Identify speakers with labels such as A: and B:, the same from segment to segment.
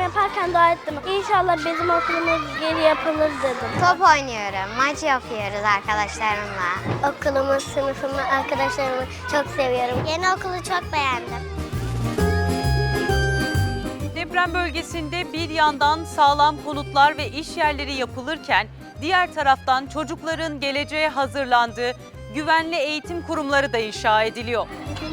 A: yaparken dua ettim. İnşallah bizim okulumuz geri yapılır dedim.
B: Top oynuyorum, maç yapıyoruz arkadaşlarımla.
A: Okulumu, sınıfımı, arkadaşlarımı çok seviyorum. Yeni okulu çok beğendim.
C: Deprem bölgesinde bir yandan sağlam konutlar ve iş yerleri yapılırken diğer taraftan çocukların geleceğe hazırlandığı güvenli eğitim kurumları da inşa ediliyor.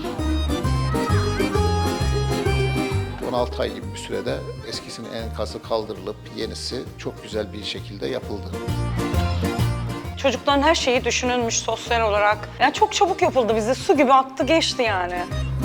D: 16 ay gibi bir sürede eskisinin enkazı kaldırılıp yenisi çok güzel bir şekilde yapıldı.
E: Çocukların her şeyi düşünülmüş sosyal olarak. Yani çok çabuk yapıldı, bize su gibi aktı geçti yani.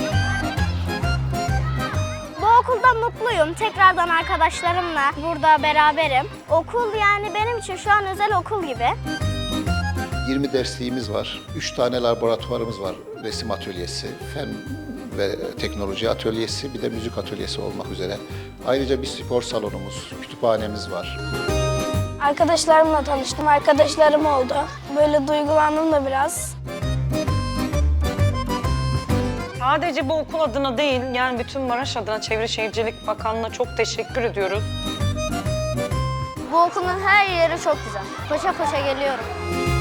A: Bu okulda mutluyum. Tekrardan arkadaşlarımla burada beraberim. Okul yani benim için şu an özel okul gibi.
D: 20 dersliğimiz var, 3 tane laboratuvarımız var. Resim atölyesi, fen ve teknoloji atölyesi, bir de müzik atölyesi olmak üzere. Ayrıca bir spor salonumuz, kütüphanemiz var.
A: Arkadaşlarımla tanıştım. Arkadaşlarım oldu. Böyle duygulandım da biraz.
E: Sadece bu okul adına değil, yani bütün Maraş adına Çevre Şehircilik Bakanlığı'na çok teşekkür ediyoruz.
A: Bu okulun her yeri çok güzel. Koşa koşa geliyorum.